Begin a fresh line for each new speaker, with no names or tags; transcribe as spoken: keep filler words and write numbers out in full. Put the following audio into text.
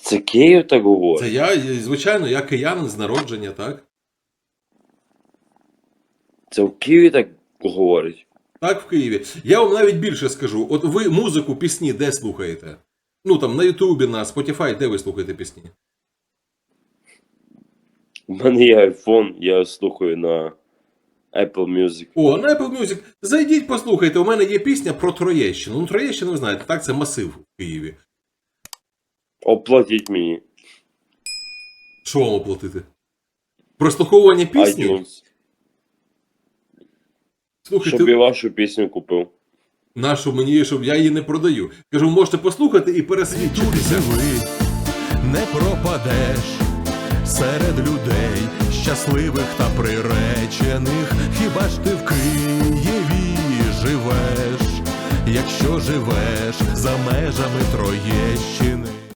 Це Київ так говорить?
Це я, звичайно, я киянин з народження, так?
Це в Києві так говорить?
Так, в Києві. Я вам навіть більше скажу. От ви музику, пісні де слухаєте? Ну там на Ютубі, на Spotify, де ви слухаєте пісні?
У мене є айфон, я слухаю на Apple Music.
О, на Apple Music. Зайдіть, послухайте. У мене є пісня про Троєщину. Ну, Троєщину, ви знаєте, так, це масив в Києві.
Оплатіть мені.
Що вам оплатити? Прослуховування пісні?
iTunes.
Слухайте,
Щоб я вашу пісню купив.
нашу мені, щоб я її не продаю. Кажу, можете послухати і пересвідчитися.
Ви не пропадеш серед людей щасливих та приречених. Хіба ж ти в Києві живеш, якщо живеш за межами Троєщини?